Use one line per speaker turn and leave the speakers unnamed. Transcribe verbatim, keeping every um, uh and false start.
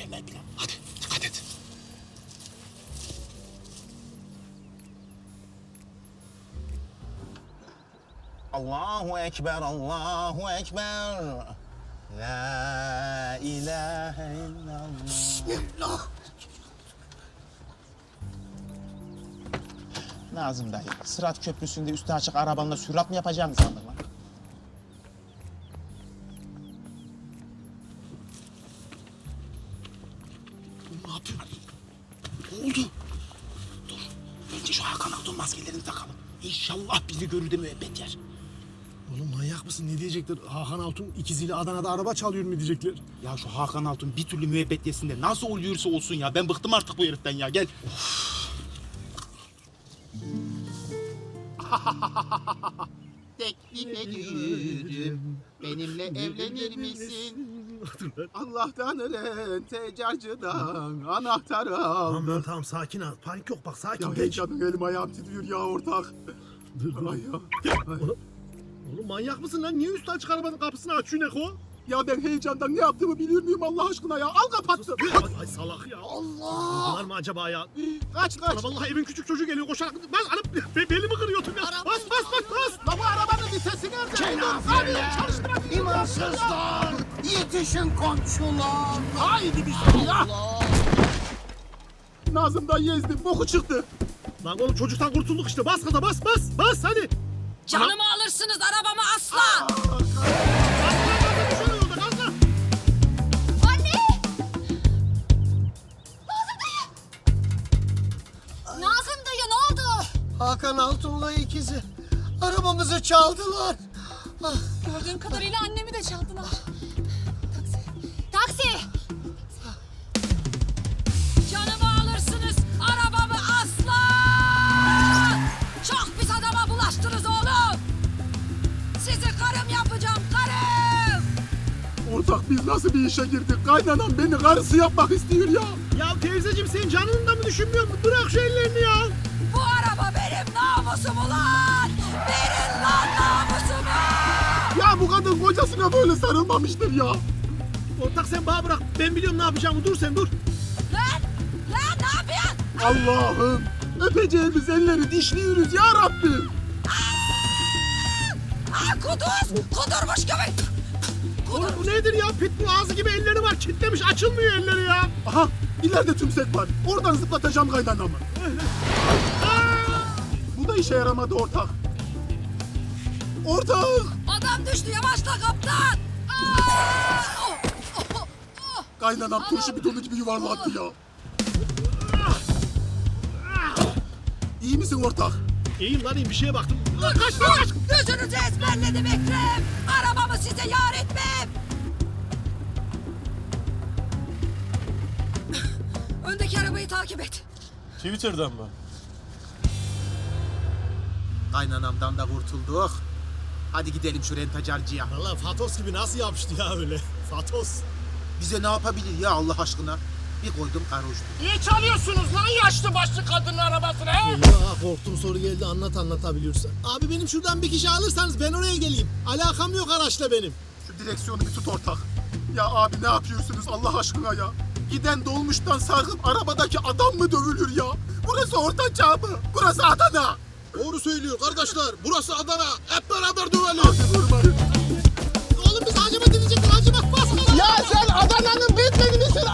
mükemmel plan. Hadi dikkat et. Allahu Ekber, Allahu Ekber. La ilahe illallah.
Bismillah.
Nazım dayı, Sırat Köprüsü'nde üstü açık arabanla sürat mı yapacaksın sandın lan? Ne yapıyorsun? Ne oldu? Dur, bence şu Hakan Altun maskelerini takalım. İnşallah bizi görür de müebbet yer.
Oğlum manyak mısın? Ne diyecekler? Hakan Altun ikiziyle Adana'da araba çalıyor mu diyecekler?
Ya şu Hakan Altun bir türlü müebbet yesin de nasıl oluyorsa olsun ya. Ben bıktım artık bu heriften ya, gel. Teklif ediyorum, benimle evlenir misin? Allah'tan ölen tecarcıdan anahtarı
Tamam
aldım.
lan tamam sakin ol. Panik yok bak sakin.
Ya
geç.
heyecanım elim ayağım titriyor ya ortak.
Dur dur.
Ay ya.
Oğlum, oğlum manyak mısın lan? Niye üstü açık arabanın kapısını açıyor Neko?
Ya ben heyecandan ne yaptığımı biliyor muyum Allah aşkına ya? Al kapattım.
Ay, ay salak ya.
Allah!
Var mı acaba ya?
Kaç kaç.
Ana vallahi evin küçük çocuğu geliyor koşarak. Bas anam be, belimi kırıyordum ya. Bas bas bas bas.
La bu arabanın vitesi nerede?
Cenab-ı
Çalıştırak.
İmansızlar, yetişin komşular.
Haydi bismillah. Nazım'dan yezdim, boku çıktı.
Lan oğlum çocuktan kurtulduk işte. Bas gaza bas bas. Bas hadi.
Canımı alırsınız, arabamı asla! Anne! Nazım dayı ne oldu?
Hakan Altun'la ikizi arabamızı çaldılar. Ah,
Gördüğüm kadarıyla annemi de çaldılar. Taksi! Taksi! Canımı alırsınız, arabamı asla! Çok pis adama bulaştınız oğlum! Sizi karım yapacağım, karım!
Ortak biz nasıl bir işe girdik? Kaynanan beni karısı yapmak istiyor ya.
Ya teyzeciğim senin canını da mı düşünmüyor musun? Bırak şu ellerini ya.
Bu araba benim namusum ulan! Verin lan namusumu!
Ya bu kadın kocasına böyle sarılmamıştır ya.
Ortak sen bana bırak. Ben biliyorum ne yapacağımı. Dur sen dur.
Lan! Lan ne yapıyorsun?
Allah'ım. Öpeceğimiz elleri dişliyoruz ya Rabbim.
Aa, kuduz! Kudurmuş gibi!
Oğlum bu nedir ya? Pitbull ağzı gibi elleri var. Kitlemiş açılmıyor elleri ya.
Aha ileride tümsek var. Oradan zıplatacağım kaynanamı. Bu da işe yaramadı ortak. Ortak.
Adam düştü, yavaşla kaptan! Aa! Oh, oh, oh, oh.
Kaynanam turşu bidonu gibi yuvarlattı ya. İyi misin ortak?
İyiyim lan iyiyim bir şeye baktım. Lan kaç lan kaç.
Gözünüzü ezberledim Ekrem! Arabamı size yar etmem! Öndeki arabayı takip et.
Twitter'dan mı?
Kaynanamdan da kurtulduk. Hadi gidelim şu rentacarcıya.
Valla Fatos gibi nasıl yapıştı ya öyle? Fatos.
Bize ne yapabilir ya Allah aşkına? Bir koydum karhoştu.
Niye çalıyorsunuz lan yaşlı başlı kadının arabasını he?
Eyvah korktum soru geldi anlat anlatabiliyorsan. Abi benim şuradan bir kişi alırsanız ben oraya geleyim. Alakam yok araçla benim.
Şu direksiyonu bir tut ortak. Ya abi ne yapıyorsunuz Allah aşkına ya? Giden dolmuştan sarkıp arabadaki adam mı dövülür ya? Burası Orta Çağ mı? Burası Adana.
Doğru söylüyor kardeşler. Burası Adana. Hep beraber dövelim.
Hadi vurmayın.
Oğlum biz hacimat edecektik. Hacimat basma.
Ya sen Adana'nın Batman'i misin